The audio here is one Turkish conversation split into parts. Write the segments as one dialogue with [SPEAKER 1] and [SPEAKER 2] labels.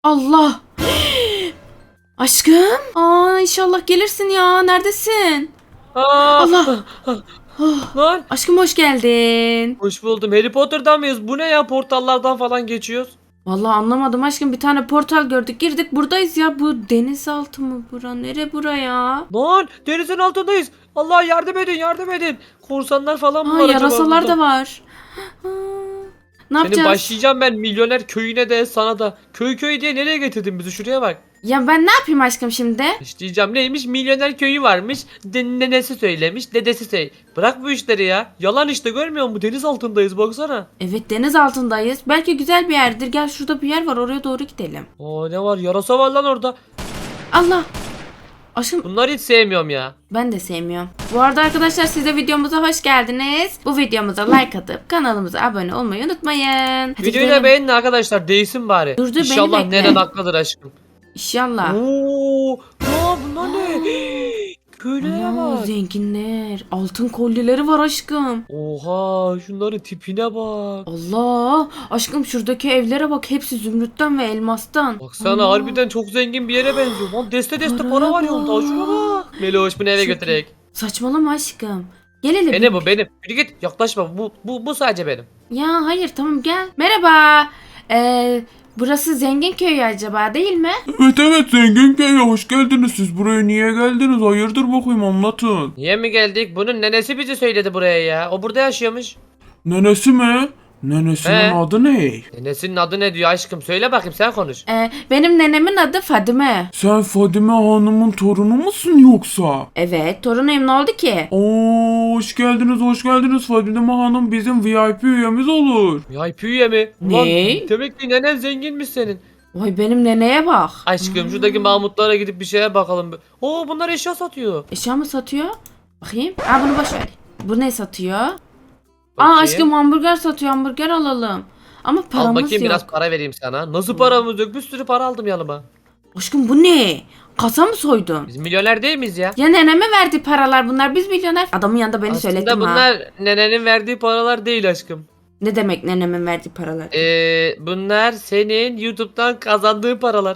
[SPEAKER 1] Allah. Aşkım. İnşallah gelirsin ya. Neredesin? Allah.
[SPEAKER 2] Lan
[SPEAKER 1] Aşkım hoş geldin.
[SPEAKER 2] hoş buldum. Harry Potter'dan mıyız? Bu ne ya, portallardan falan geçiyoruz.
[SPEAKER 1] Vallahi anlamadım aşkım. Bir tane portal gördük. Girdik buradayız ya. Bu denizaltı mı bura? Nere buraya?
[SPEAKER 2] Lan denizin altındayız. Allah yardım edin, yardım edin. Korsanlar falan mı var acaba
[SPEAKER 1] Yarasalar
[SPEAKER 2] burada?
[SPEAKER 1] da var. Ha, ne
[SPEAKER 2] Senin
[SPEAKER 1] yapacağız?
[SPEAKER 2] başlayacağım ben milyoner köyüne de sana da. Köy diye nereye getirdin bizi, şuraya bak.
[SPEAKER 1] Ya ben ne yapayım aşkım şimdi?
[SPEAKER 2] İşleyeceğim neymiş, milyoner köyü varmış. Nenesi söylemiş, dedesi Bırak bu işleri ya. Yalan işte, görmüyor musun? Deniz altındayız baksana.
[SPEAKER 1] Evet deniz altındayız. Belki güzel bir yerdir. Gel şurada bir yer var. Oraya doğru gidelim.
[SPEAKER 2] Aa, ne var, yarasa var lan orada.
[SPEAKER 1] Allah. Aşkım
[SPEAKER 2] Bunları hiç sevmiyorum ya.
[SPEAKER 1] ben de sevmiyorum. Bu arada arkadaşlar siz de videomuza hoş geldiniz. Bu videomuza like atıp kanalımıza abone olmayı unutmayın. Hadi
[SPEAKER 2] Videoyu da
[SPEAKER 1] gidelim.
[SPEAKER 2] beğenin arkadaşlar, değsin bari.
[SPEAKER 1] Dur, beni
[SPEAKER 2] İnşallah
[SPEAKER 1] bekle.
[SPEAKER 2] neren haklıdır aşkım.
[SPEAKER 1] İnşallah.
[SPEAKER 2] Oo, aa, bunlar ne? Köylere
[SPEAKER 1] Ana,
[SPEAKER 2] bak.
[SPEAKER 1] zenginler. Altın kolyeleri var aşkım.
[SPEAKER 2] Oha, şunların tipine bak.
[SPEAKER 1] Allah. Aşkım şuradaki evlere bak. Hepsi zümrütten ve elmastan.
[SPEAKER 2] Baksana,
[SPEAKER 1] Allah.
[SPEAKER 2] harbiden çok zengin bir yere benziyor. Lan deste
[SPEAKER 1] Paraya
[SPEAKER 2] para var yolda.
[SPEAKER 1] bak.
[SPEAKER 2] Şuna bak. Meloş, bunu eve
[SPEAKER 1] Çok
[SPEAKER 2] götürek.
[SPEAKER 1] Saçmalama aşkım. Gel hele bir.
[SPEAKER 2] Benim. Yürü git, yaklaşma. Bu sadece benim.
[SPEAKER 1] Ya hayır tamam gel. Merhaba. Burası zengin köyü acaba değil mi?
[SPEAKER 3] Evet zengin köyü hoş geldiniz. Siz buraya niye geldiniz? Hayırdır bakayım anlatın.
[SPEAKER 2] Niye mi geldik? Bunun nenesi bizi söyledi buraya ya. O burada yaşıyormuş.
[SPEAKER 3] Nenesi mi? Nenesinin
[SPEAKER 2] He.
[SPEAKER 3] adı ne?
[SPEAKER 2] Nenesinin adı ne diyor aşkım? Söyle bakayım, sen konuş.
[SPEAKER 1] Benim nenemin adı Fadime.
[SPEAKER 3] Sen Fadime Hanım'ın torunu musun yoksa?
[SPEAKER 1] Evet torunuyum ne oldu ki?
[SPEAKER 3] Oo hoş geldiniz Fadime Hanım bizim VIP üyemiz olur.
[SPEAKER 2] VIP üye mi?
[SPEAKER 1] Ne?
[SPEAKER 2] Ulan, demek ki nenen zenginmiş senin.
[SPEAKER 1] Vay benim neneye bak.
[SPEAKER 2] Aşkım şuradaki Mahmutlara gidip bir şeye bakalım. Oo, bunlar eşya satıyor.
[SPEAKER 1] Eşya mı satıyor? Bakayım. Bunu boş ver. Bu ne satıyor?
[SPEAKER 2] Bakayım.
[SPEAKER 1] Aşkım hamburger satıyor. Hamburger alalım. Ama
[SPEAKER 2] Al
[SPEAKER 1] paramız
[SPEAKER 2] bakayım,
[SPEAKER 1] yok.
[SPEAKER 2] biraz para vereyim sana. Nasıl paramız yok? Bir sürü para aldım yanıma.
[SPEAKER 1] Aşkım bu ne? Kasa mı soydun?
[SPEAKER 2] Biz milyoner değil miyiz ya?
[SPEAKER 1] Ya neneme verdi paralar bunlar. Biz milyoner. Adamın yanında beni
[SPEAKER 2] Aslında
[SPEAKER 1] söyledim ha.
[SPEAKER 2] bunlar nenenin verdiği paralar değil aşkım.
[SPEAKER 1] Ne demek nenemin verdiği paralar?
[SPEAKER 2] Bunlar senin YouTube'dan kazandığın paralar.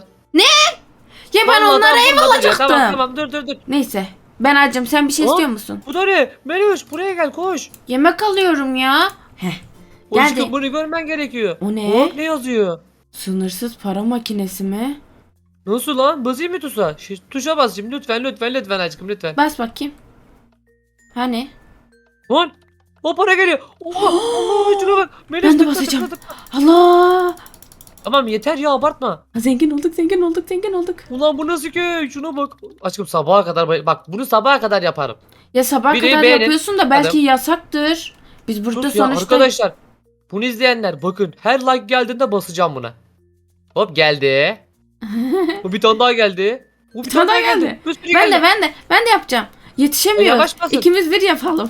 [SPEAKER 1] Ya ben
[SPEAKER 2] Vallahi
[SPEAKER 1] onlara ev
[SPEAKER 2] bunlar ya.
[SPEAKER 1] alacaktım.
[SPEAKER 2] Tamam, dur.
[SPEAKER 1] Neyse. Ben acım. Sen bir şey
[SPEAKER 2] Aa,
[SPEAKER 1] istiyor musun?
[SPEAKER 2] Bu da ne? Meloş, buraya gel, koş.
[SPEAKER 1] Yemek alıyorum ya. Heh.
[SPEAKER 2] Aşkım
[SPEAKER 1] Geldi.
[SPEAKER 2] bunu görmen gerekiyor.
[SPEAKER 1] O ne?
[SPEAKER 2] Bak ne yazıyor.
[SPEAKER 1] Sınırsız para makinesi mi?
[SPEAKER 2] Nasıl lan? Basayım mı tuşa? Tuşa bas şimdi, lütfen aşkım, lütfen.
[SPEAKER 1] Bas bakayım. Hani?
[SPEAKER 2] Lan! O para geliyor. Oha! Allah, şuna bak. Meloş,
[SPEAKER 1] Ben de
[SPEAKER 2] tıkla,
[SPEAKER 1] basacağım.
[SPEAKER 2] tıkla.
[SPEAKER 1] Allah!
[SPEAKER 2] Tamam yeter ya, abartma.
[SPEAKER 1] Zengin olduk.
[SPEAKER 2] Ulan bu nasıl köy? Şuna bak. Aşkım sabaha kadar bak, bunu sabaha kadar yaparım.
[SPEAKER 1] Ya sabah
[SPEAKER 2] Videoyu
[SPEAKER 1] kadar
[SPEAKER 2] beğenin.
[SPEAKER 1] yapıyorsun da belki
[SPEAKER 2] Adam.
[SPEAKER 1] yasaktır. Biz burada
[SPEAKER 2] Sus ya
[SPEAKER 1] sonuçta...
[SPEAKER 2] arkadaşlar. Bunu izleyenler bakın, her like geldiğinde basacağım buna. Hop geldi. Bu bir tane daha geldi. Bu bir
[SPEAKER 1] tane daha geldi.
[SPEAKER 2] Bir sürü
[SPEAKER 1] Ben
[SPEAKER 2] geldi.
[SPEAKER 1] de yapacağım. Yetişemiyoruz.
[SPEAKER 2] Yavaş basın.
[SPEAKER 1] İkimiz bir yapalım.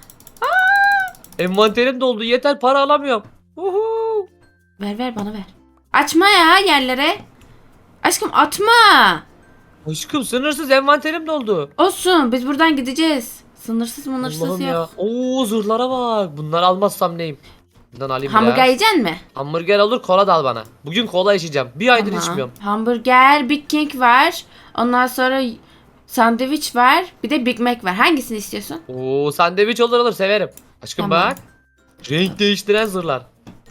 [SPEAKER 2] Envanterim doldu, yeter, para alamıyorum. Uhu.
[SPEAKER 1] Ver bana ver. Açma ya yerlere. Aşkım atma.
[SPEAKER 2] Aşkım sınırsız envanterim doldu.
[SPEAKER 1] Olsun biz buradan gideceğiz. Sınırsız
[SPEAKER 2] Allah'ım
[SPEAKER 1] yok.
[SPEAKER 2] ya. Oo, zırhlara bak. Bunları almazsam neyim? Bundan alayım
[SPEAKER 1] Hamburger
[SPEAKER 2] biraz.
[SPEAKER 1] yiyecek mi?
[SPEAKER 2] Hamburger olur, kola da al bana. Bugün kola içeceğim. Bir aydır içmiyorum.
[SPEAKER 1] Hamburger, Big King var. Ondan sonra sandviç var. Bir de Big Mac var. Hangisini istiyorsun?
[SPEAKER 2] Oo, sandviç olur, severim. Aşkım
[SPEAKER 1] Tamam.
[SPEAKER 2] bak. Renk değiştiren zırhlar.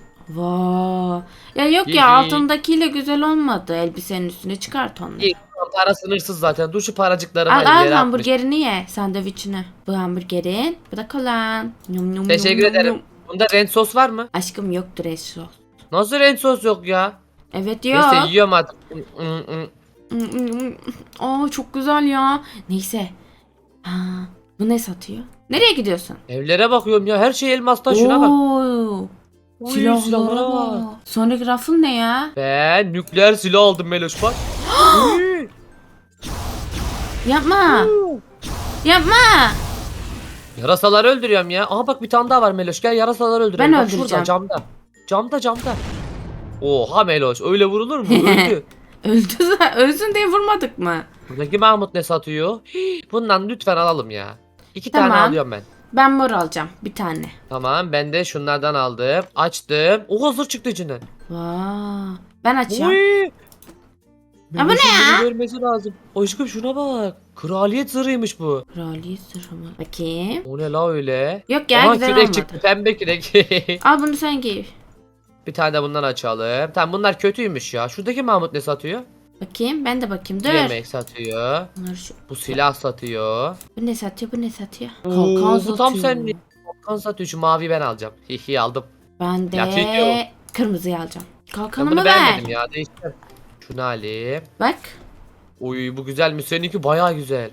[SPEAKER 1] Vay. Ya yok
[SPEAKER 2] İyi,
[SPEAKER 1] ya
[SPEAKER 2] iyi.
[SPEAKER 1] altındakiyle güzel olmadı. Elbisenin üstüne çıkart onları.
[SPEAKER 2] İyi, para sınırsız zaten. Dur şu paracıklarımı
[SPEAKER 1] Al
[SPEAKER 2] alayım,
[SPEAKER 1] al
[SPEAKER 2] yere atmış.
[SPEAKER 1] hamburgerini ye sandviçini. Bu hamburgerin. Bu da kolan. Yum, yum,
[SPEAKER 2] Teşekkür
[SPEAKER 1] yum,
[SPEAKER 2] ederim.
[SPEAKER 1] yum.
[SPEAKER 2] Bunda renk sos var mı?
[SPEAKER 1] Aşkım yoktur eşo.
[SPEAKER 2] Nasıl renk sos yok ya?
[SPEAKER 1] Evet yok.
[SPEAKER 2] Neyse yiyorum artık.
[SPEAKER 1] Çok güzel ya. Neyse. Bu ne satıyor? Nereye gidiyorsun?
[SPEAKER 2] Evlere bakıyorum ya, her şey elmastan, şuna bak.
[SPEAKER 1] Oo,
[SPEAKER 2] Uy,
[SPEAKER 1] silahlara bak. Sonraki rafın ne ya?
[SPEAKER 2] Ben nükleer silah aldım Meloş, bak. Uy.
[SPEAKER 1] Yapma. Yapma.
[SPEAKER 2] Yarasaları öldürüyorum ya. Aha bak, bir tane daha var Meloş, gel yarasaları öldürelim.
[SPEAKER 1] Ben
[SPEAKER 2] Bak şurada,
[SPEAKER 1] öldüreceğim.
[SPEAKER 2] camda. Oha Meloş, öyle vurulur mu? Öldü.
[SPEAKER 1] Ölsün diye vurmadık mı?
[SPEAKER 2] Buradaki Mahmut ne satıyor? Hii, bundan lütfen alalım ya. İki
[SPEAKER 1] Tamam.
[SPEAKER 2] tane alıyorum ben.
[SPEAKER 1] Ben mor alacağım bir tane.
[SPEAKER 2] Tamam, ben de şunlardan aldım. Açtım. O hazır çıktı içinden.
[SPEAKER 1] Vay. Ben açıyorum.
[SPEAKER 2] Uy.
[SPEAKER 1] Ya bu ne
[SPEAKER 2] Meloş'un
[SPEAKER 1] ya?
[SPEAKER 2] bunu görmesi lazım. Aşkım şuna bak. Kraliyet zırhıymış bu.
[SPEAKER 1] Kraliyet sırrı mı? Bakayım.
[SPEAKER 2] O ne la öyle?
[SPEAKER 1] Yok ya
[SPEAKER 2] Aha,
[SPEAKER 1] güzel
[SPEAKER 2] kürek
[SPEAKER 1] olmadı.
[SPEAKER 2] çıktı. Pembe kürek.
[SPEAKER 1] Al bunu sen giy.
[SPEAKER 2] Bir tane de bundan açalım. Tamam bunlar kötüymüş ya. Şuradaki Mahmut ne satıyor?
[SPEAKER 1] Bakayım ben de bakayım. Dur.
[SPEAKER 2] Yemek satıyor.
[SPEAKER 1] Bunları şu.
[SPEAKER 2] Bu silah satıyor.
[SPEAKER 1] Bu ne satıyor? Bu ne satıyor?
[SPEAKER 2] Oo, bu tam
[SPEAKER 1] satıyor.
[SPEAKER 2] senlik. Kalkan satıyor. Şu mavi ben alacağım. Hihi aldım.
[SPEAKER 1] Ben
[SPEAKER 2] Ya, çekiyorum.
[SPEAKER 1] de kırmızıyı alacağım.
[SPEAKER 2] Ben
[SPEAKER 1] Kalkanımı
[SPEAKER 2] bunu
[SPEAKER 1] ver.
[SPEAKER 2] beğenmedim ya. Değiştir. Şunu alayım.
[SPEAKER 1] Bak.
[SPEAKER 2] Uy bu güzelmiş. Seninki bayağı güzel.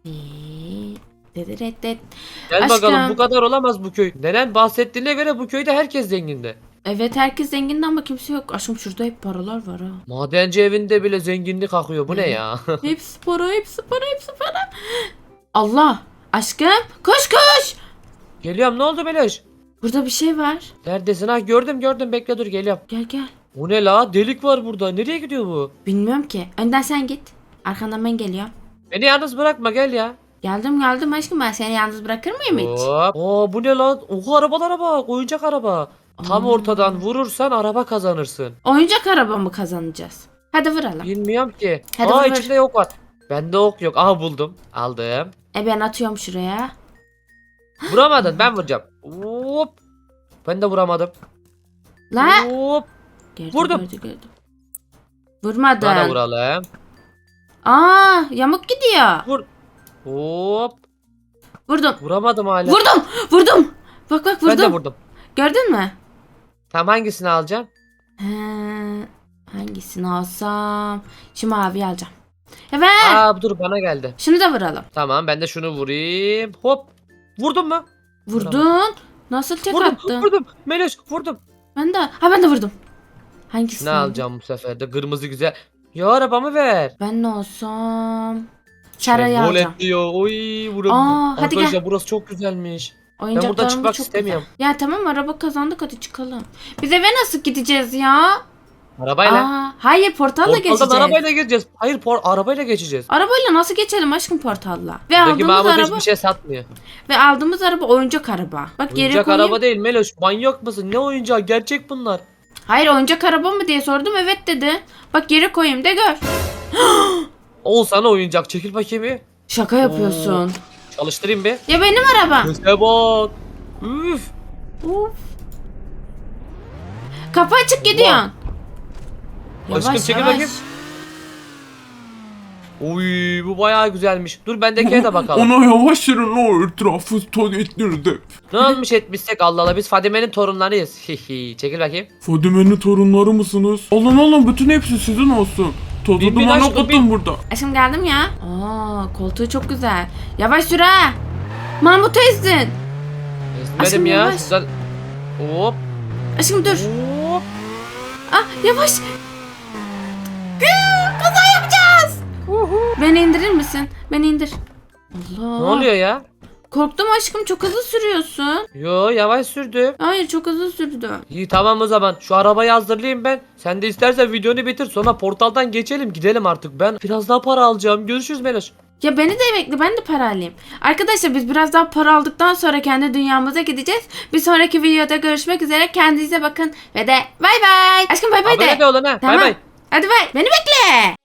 [SPEAKER 1] Dedet.
[SPEAKER 2] Gel
[SPEAKER 1] Aşkım.
[SPEAKER 2] bakalım bu kadar olamaz bu köy. Neden bahsettiğine göre bu köyde herkes zengindi.
[SPEAKER 1] Evet herkes zengin ama kimse yok. Aşkım şurada hep paralar var ha.
[SPEAKER 2] Madenci evinde bile zenginlik akıyor. Bu ne ya?
[SPEAKER 1] Hepsi para, hepsi para, hepsi para. Allah! Aşkım koş koş!
[SPEAKER 2] Geliyorum ne oldu Meloş?
[SPEAKER 1] Burada bir şey var.
[SPEAKER 2] Neredesin? Ha gördüm bekle dur geliyorum.
[SPEAKER 1] Gel gel.
[SPEAKER 2] Bu ne la? Delik var burada. Nereye gidiyor bu?
[SPEAKER 1] Bilmiyorum ki. Önden sen git. Arkandan ben geliyorum.
[SPEAKER 2] Beni yalnız bırakma gel ya.
[SPEAKER 1] Geldim aşkım, ben seni yalnız bırakır mıyım hiç?
[SPEAKER 2] Hop. Oo bu ne lan? Oha arabalara bak. Oyuncak araba. Tam
[SPEAKER 1] Aa.
[SPEAKER 2] ortadan vurursan araba kazanırsın.
[SPEAKER 1] Oyuncak araba mı kazanacağız? Hadi vuralım.
[SPEAKER 2] Bilmiyorum ki.
[SPEAKER 1] Hadi
[SPEAKER 2] Aa
[SPEAKER 1] vur.
[SPEAKER 2] içinde yok var. Bende ok yok. Aha buldum. Aldım.
[SPEAKER 1] Ben atıyorum şuraya.
[SPEAKER 2] Vuramadın ben vuracağım. Hop. Ben de vuramadım.
[SPEAKER 1] La!
[SPEAKER 2] Hop.
[SPEAKER 1] Gördüm,
[SPEAKER 2] Vurdum.
[SPEAKER 1] gördüm.
[SPEAKER 2] Bana
[SPEAKER 1] Vurmadın.
[SPEAKER 2] vuralım.
[SPEAKER 1] Aa, yamuk gidiyor.
[SPEAKER 2] Vur. Hop.
[SPEAKER 1] Vurdum.
[SPEAKER 2] Vuramadım hala.
[SPEAKER 1] Vurdum. Bak
[SPEAKER 2] Ben de
[SPEAKER 1] vurdum.
[SPEAKER 2] vurdum.
[SPEAKER 1] Gördün mü?
[SPEAKER 2] Tamam hangisini alacağım?
[SPEAKER 1] He, hangisini alsam? Şu maviyi alacağım. Evet.
[SPEAKER 2] Aa dur bana geldi.
[SPEAKER 1] Şunu da vuralım.
[SPEAKER 2] Tamam ben de şunu vurayım. Hop. Vurdun mu?
[SPEAKER 1] Vurdun. Nasıl tek
[SPEAKER 2] Vurdum.
[SPEAKER 1] attın?
[SPEAKER 2] Vurdum. Meloş vurdum.
[SPEAKER 1] Ben de vurdum. Hangisini?
[SPEAKER 2] Ne alacağım bu sefer de? Kırmızı güzel. Ya arabamı ver.
[SPEAKER 1] Ben ne olsam? Sarayı
[SPEAKER 2] Şevval
[SPEAKER 1] alacağım.
[SPEAKER 2] diyor. Oy burası.
[SPEAKER 1] Aa, hadi
[SPEAKER 2] Arkadaşlar
[SPEAKER 1] gel.
[SPEAKER 2] burası çok güzelmiş.
[SPEAKER 1] Oyuncaklarımız
[SPEAKER 2] buradan çıkmak
[SPEAKER 1] çok
[SPEAKER 2] istemiyorum.
[SPEAKER 1] güzel. Ya tamam, araba kazandık, hadi çıkalım. Biz eve nasıl gideceğiz ya?
[SPEAKER 2] Arabayla.
[SPEAKER 1] Hayır, portalla
[SPEAKER 2] Portaldan
[SPEAKER 1] geçeceğiz.
[SPEAKER 2] arabayla gireceğiz. Hayır arabayla geçeceğiz.
[SPEAKER 1] Arabayla nasıl geçelim aşkım portalla? Ve
[SPEAKER 2] Buradaki
[SPEAKER 1] aldığımız
[SPEAKER 2] Mahmut
[SPEAKER 1] araba
[SPEAKER 2] hiçbir şey satmıyor.
[SPEAKER 1] oyuncak araba. Bak geri
[SPEAKER 2] Oyuncak
[SPEAKER 1] koyayım.
[SPEAKER 2] araba değil Meloş. Manyak mısın? Ne oyuncağı? Gerçek bunlar.
[SPEAKER 1] Hayır, oyuncak araba mı diye sordum, evet dedi. Bak geri koyayım de gör.
[SPEAKER 2] Ol sana oyuncak. Çekil bakayım bir.
[SPEAKER 1] Şaka yapıyorsun.
[SPEAKER 2] Çalıştırayım bir.
[SPEAKER 1] Ya benim arabam.
[SPEAKER 2] Göze bak. Üf.
[SPEAKER 1] Of. Kapı açık gidiyorsun.
[SPEAKER 2] Aşkım, çekil bakayım. Oy bu bayağı güzelmiş. Dur bendekine de bakalım.
[SPEAKER 3] Ona yavaş yürü o etrafı tuvaletleri.
[SPEAKER 2] Ne olmuş etmişsek Allah Allah biz Fadime'nin torunlarıyız. Hihi çekil bakayım.
[SPEAKER 3] Fadime'nin torunları mısınız? Alın bütün hepsi sizin olsun. Tozu
[SPEAKER 2] Bin, bin
[SPEAKER 3] dumanı
[SPEAKER 2] aşkım,
[SPEAKER 3] okutun
[SPEAKER 2] bin.
[SPEAKER 3] burada.
[SPEAKER 1] Aşkım geldim ya. Koltuğu çok güzel. Yavaş sür ha. Mahmut'u ezdin. Aşkım,
[SPEAKER 2] Ezmedim ya.
[SPEAKER 1] yavaş.
[SPEAKER 2] Şuradan... Hop.
[SPEAKER 1] Aşkım dur.
[SPEAKER 2] Hop.
[SPEAKER 1] Yavaş. Kaza yapacağız. Beni indirir misin? Beni indir. Allah.
[SPEAKER 2] Ne oluyor ya?
[SPEAKER 1] Korktum aşkım, çok hızlı sürüyorsun.
[SPEAKER 2] Yo yavaş sürdüm.
[SPEAKER 1] Hayır, çok hızlı sürdü.
[SPEAKER 2] İyi tamam o zaman. Şu arabayı hazırlayayım ben. Sen de istersen videonu bitir. Sonra portaldan geçelim. Gidelim artık. Ben biraz daha para alacağım. Görüşürüz Meloş.
[SPEAKER 1] Ya beni de bekle, ben de para alayım. Arkadaşlar biz biraz daha para aldıktan sonra kendi dünyamıza gideceğiz. Bir sonraki videoda görüşmek üzere. Kendinize bakın ve de bay bay. Aşkım bay bay de.
[SPEAKER 2] Abone de olun ha. Bay
[SPEAKER 1] Tamam.
[SPEAKER 2] bay.
[SPEAKER 1] Hadi bay. Beni bekle.